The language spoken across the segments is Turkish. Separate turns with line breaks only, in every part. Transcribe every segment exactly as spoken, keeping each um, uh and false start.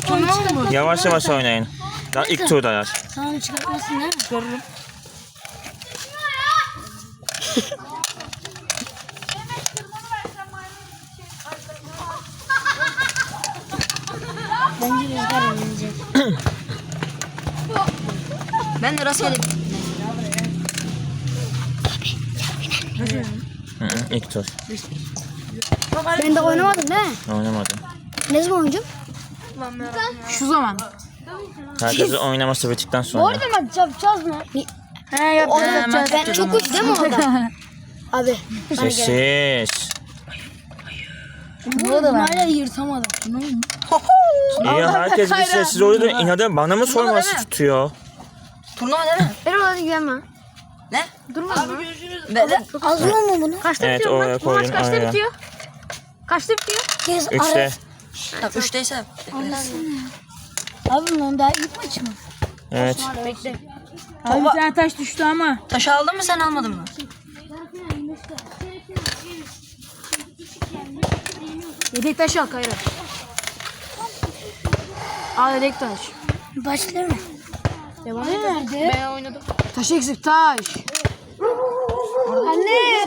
Yavaş yavaş oynayın. Daha ilk turdalar.
Sana çıkartmasın değil mi?
Çıkarırım.
Bence rüzgar oynayacak.
Ben de rastgele.
Hı hı, ilk tur.
Ben de oynamadım değil mi?
Oynamadım.
Ne zaman oynayacağım?
Şu zaman.
Herkesin oynaması bittikten
Bu
sonra.
arada maç yapacağız mı?
He yapacağız.
Ben çok uç değil mi orada? Abi.
Sessiz.
Bu arada hala yırtamadım.
İyi, herkes bir sessiz oluyor. İnadı bana mı sorması tutuyor?
Turnuva değil mi?
Ben orada güvenmem.
Ne?
Durma.
Böyle.
Azıyor mu bunu?
Kaçta
Evet,
bitiyor
oraya
maç? Bu maç
koydum,
kaçta
araya.
bitiyor? Kaçta bitiyor?
Kez
Üçte.
Tamam üçteyse.
Abi bundan daha ilk maç mı?
Evet.
Bekle.
Abi
bir tane taş düştü ama.
Taşı aldın mı sen almadın mı?
Yedek taş al Kayra. Al yedek taş.
Başlıyor mu?
Devam
Ne nerede?
Ben oynadım. Taş eksik taş.
Anne.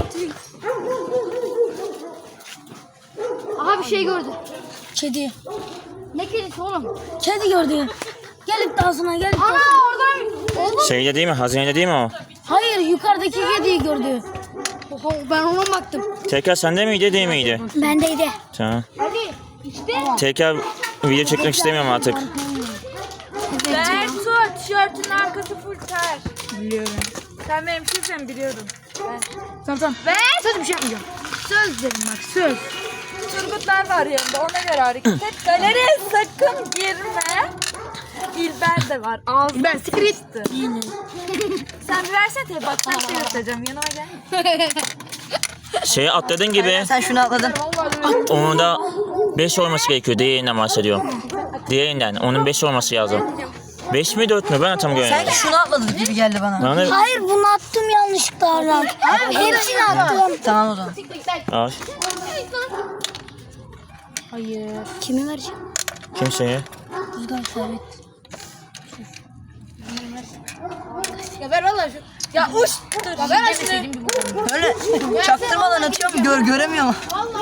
Aha bir şey gördü.
Kedi.
Ne kedisi oğlum?
Kedi gördü. Gelip dansına gelip
Ana
dansına.
oradan.
Şeyde değil mi? Hazinede değil mi o?
Hayır yukarıdaki kediyi gördü.
Oho, ben ona baktım.
Tekrar sende miydi değil miydi?
Bendeydi.
Tamam.
Hadi işte.
Tekrar video çekmek istemiyorum artık.
Ben tut tişörtün arkası full ter. Biliyorum. Sen benim kimsen biliyorum. Ver. Tamam tamam. Ver. Söz bir şey yapmayacağım. Söz dedim bak söz. Turgutlar var yanında ona göre hareket et. Galeriye sakın girme. İlber de var. Ağzı ben sikritti. Sen bir versene tabi bak ben şey göstereceğim yanıma gel.
Şeyi atladığın gibi
Sen şunu atladın.
onun da beş olması gerekiyor. Diğerinden bahsediyorum. Diğerinden. Onun beş olması lazım. beş mi dört mü? Ben tam
Sanki
göremedim.
şunu atladın gibi geldi bana.
Bana
Hayır bunu attım yanlışlıkla Aral. Hepsini attım.
Tamam o zaman.
al.
Hayır.
Kimi vereceğim?
Kimseye.
Rüzgar sabit.
Ya ver valla şu. Ya uç. Ya ver şunu.
Böyle çaktırmadan atıyorum gör göremiyorum.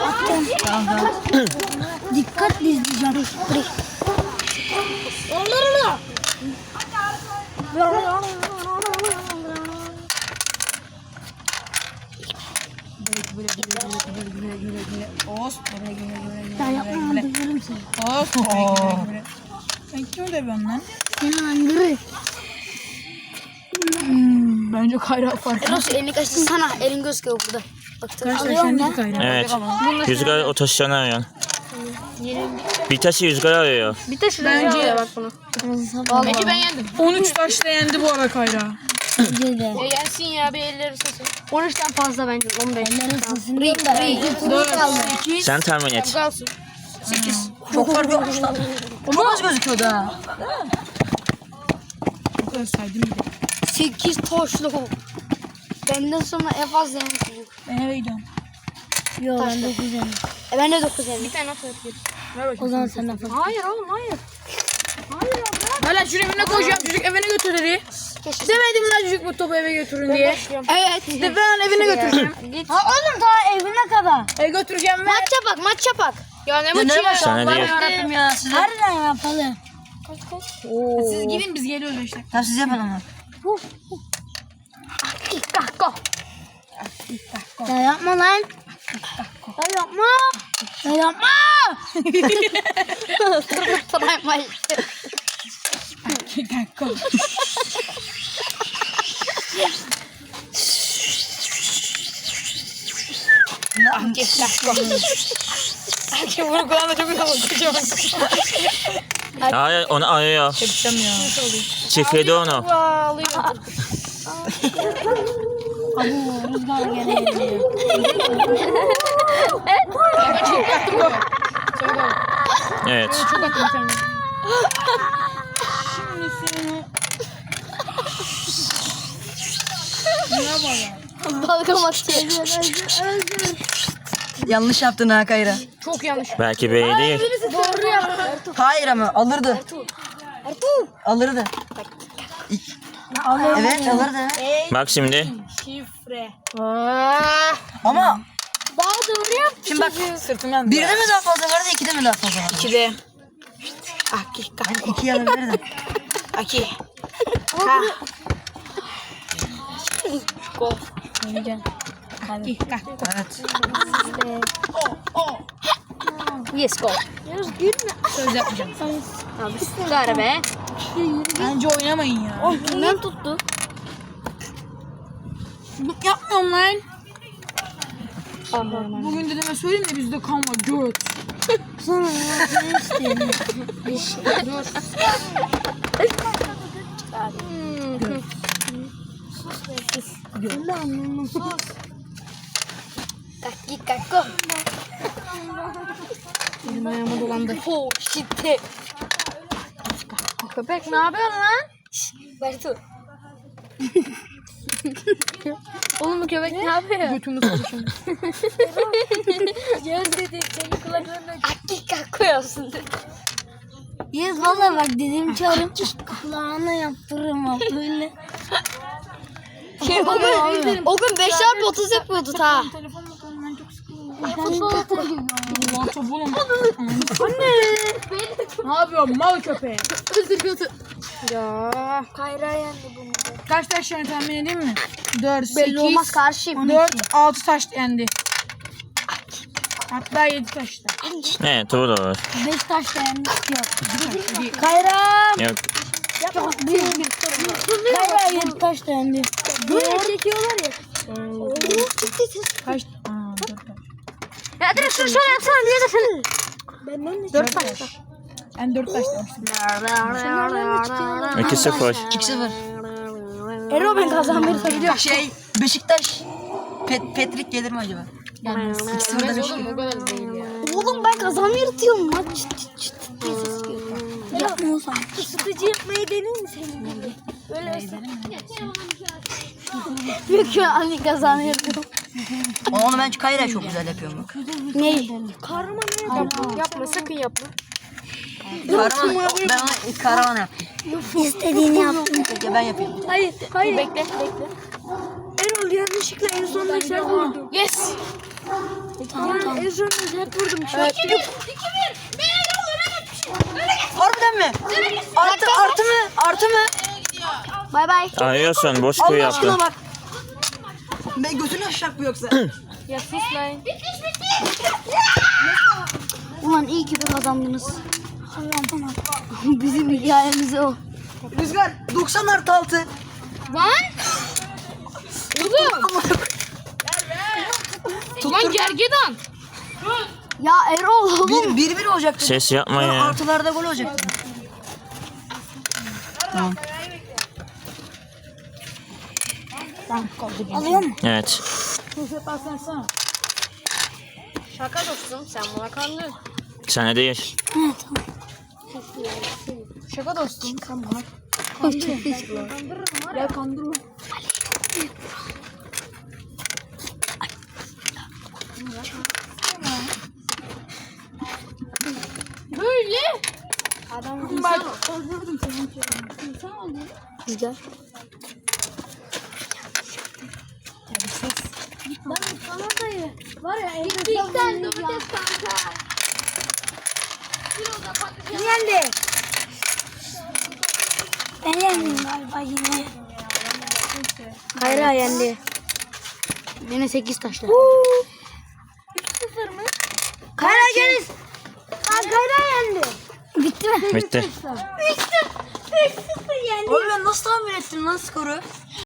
Dikkatli izleyeceğim. Burayı. Ben yapmam duyuyorum seni.
Sen kimi dövüyorsun lan?
Seni andırır.
Bence kayra fark.
Eros elini kaçırsana. Elin gözüküyor burada. Bak alıyorum ben.
Evet. Rüzgar o taşlarını arıyor. Bir taşı rüzgar arıyor.
Bir taş bence bak bunu. Bence ben yendim.
on üç taşla yendi bu ara Kayra.
Bence de.
Ya yensin ya bir elleri sesi.
on üçten fazla bence. on beş. Ellerin sesini değil de. İki turu kaldı.
Sen tahmin et.
Kalsın.
sekiz. Çok fark yokmuş lan. Çok az gözüküyordu ha.
O kadar saydım bir de.
sekiz toşlu. Benden sonra en fazla yemiş çocuk.
Ben eve gidiyorum.
Yok ben dokuz yemiş. E ben de dokuz yemiş.
Bir tane at yapayım.
O zaman sen de fazla.
Hayır oğlum hayır.
Hala şunu evine koyacağım, çocuk evine götürür. Demedim lan çocuk bu topu eve götürün diye.
Evet.
De ben evine götüreceğim.
Git.
Ha oğlum daha evine kadar.
Eve götüreceğim ve
Maç yapak maç yapak.
Ya ne
Ya
maçı
ne
ya?
maçı
Sana
Allah'ım
değil.
yarabbim ya size.
Harbiden yapalım.
siz gidin biz geliyoruz işte.
Tamam siz yapın onu.
Kahko.
Ya yapma lan. Ya yapma. Ya yapma.
Sana yapmayı.
Kim bunu kulağına çok güzel bakacağım.
Hayır, onu arıyor. Çiftledi onu.
Ağlıyor.
Abu rüzgar gene geliyor.
Evet.
Çok attım sen.
Dalga atıyor.
Yanlış yaptın ha Kayra.
Çok yanlış.
Belki B'ye değil.
Doğru yaptın.
Hayır ama alırdı. Alırdı. Evet alırdı.
Bak şimdi.
Şifre.
Ama
Daha doğru yap.
şimdi bak
Sırtım yandı.
birde mi daha fazla vardı ikide mi daha fazla vardı?
İkide. Aki.
Ben iki alabilirdim.
Aki. Go. Aki.
Evet.
Yes go.
Yunus gülme.
Söz yapmayacağım.
Abi sigara be.
Bence oynamayın ya.
Oh kimden tuttu?
Yapmıyorum lan. Bugün dedeme söyleyeyim de bizde kan var. Göt.
Sana ne isteyeyim? Kaki kako.
Benim ayağıma dolandı.
Oh shit.
Köpek ne yapıyorsun lan?
Bartu. Oğlum bu köpek ne yapıyor?
Götümü sıkışım.
Yaz dedi senin kulaklarına akik koyuyorsun dedi. Yaz valla bak dediğim çağırım kulağına yaptırırım abi böyle. Şey, o, gün, o gün beş çarpı otuz yapıyordu ta.
Telefon bakalım ben çok sıkıldım.
Futbol atıyor.
Ulan top oğlum. Anne. Ne yapıyorsun mal köpeği? Ya.
Kayra yendi bunu.
Kaç taş yendi tahmin edeyim mi? dört,
Belli olmaz
sekiz,
karşıyım.
dört, altı taş yendi. Hatta yedi taş da.
Evet doğru.
beş taş da yendi. Yok. Kayra.
Yok.
Kayra yedi taş da yendi. Böyle çekiyorlar ya.
Kaç? Aa, dört taş.
Ya direkt şunu şöyle yapsana diye de seni. Benden de
dört taş. Ben dört taş demiştim.
iki sıfır.
iki sıfır.
Ero ben kazanmayı gidiyor.
Şey Beşiktaş Pet Petrik gelir mi acaba? iki sıfır demiş.
Oğlum ben kazanmayı yırtıyorum lan. Çıt çıt çıt diye ses geliyor. Yapmıyorsan. Isıtıcı yapmayı denir mi senin? Böyle Yok ya anne kazanmayı yırtıyorum.
Onu ben Kayra çok güzel yapıyorum bak.
Neyi? Karma ne?
Yapma, yapma sakın yapma.
Karavan, ben ona karavan yaptım.
İstediğini yaptım.
Peki ben yapayım.
Hayır, hayır.
Bekle, bekle.
Erol yanlışlıkla en sonunda işaret vurdum.
Yes.
Tamam tamam. En sonunda işaret vurdum.
Evet.
Harbiden mi? Artı artı mı? Artı mı?
Bay bay.
Arıyorsun boş kuyu
Allah aşkına
yaptı.
bak. Ben götünü aşacak bu yoksa.
Ya sus lan.
Ulan iyi ki de kazandınız. Bizim hikayemiz o.
Rüzgar doksan artı altı.
Lan. Oğlum. Lan gergedan.
Ya Erol oğlum.
Bir, bir bir olacaktı.
Ses yapma
Sonra
ya.
artılarda gol olacaktı. Tamam.
Alıyor mu?
Evet.
Şaka dostum sen buna kandın.
Sana değil.
Şaka dostum sen buna. Ya kandırma. Böyle.
Adam
Bak.
Rüzgar. Ben sana dayı. Var ya en
Gittikten domates kanka.
Kim yendi? Ben yendim galiba yine. Kayra yendi. Yine sekiz taşla. üç sıfır mı? Kayra geliz. Kayra yendi. Bitti mi?
Bitti.
üç sıfır yendi.
Oğlum ben nasıl tahmin ettim lan skoru?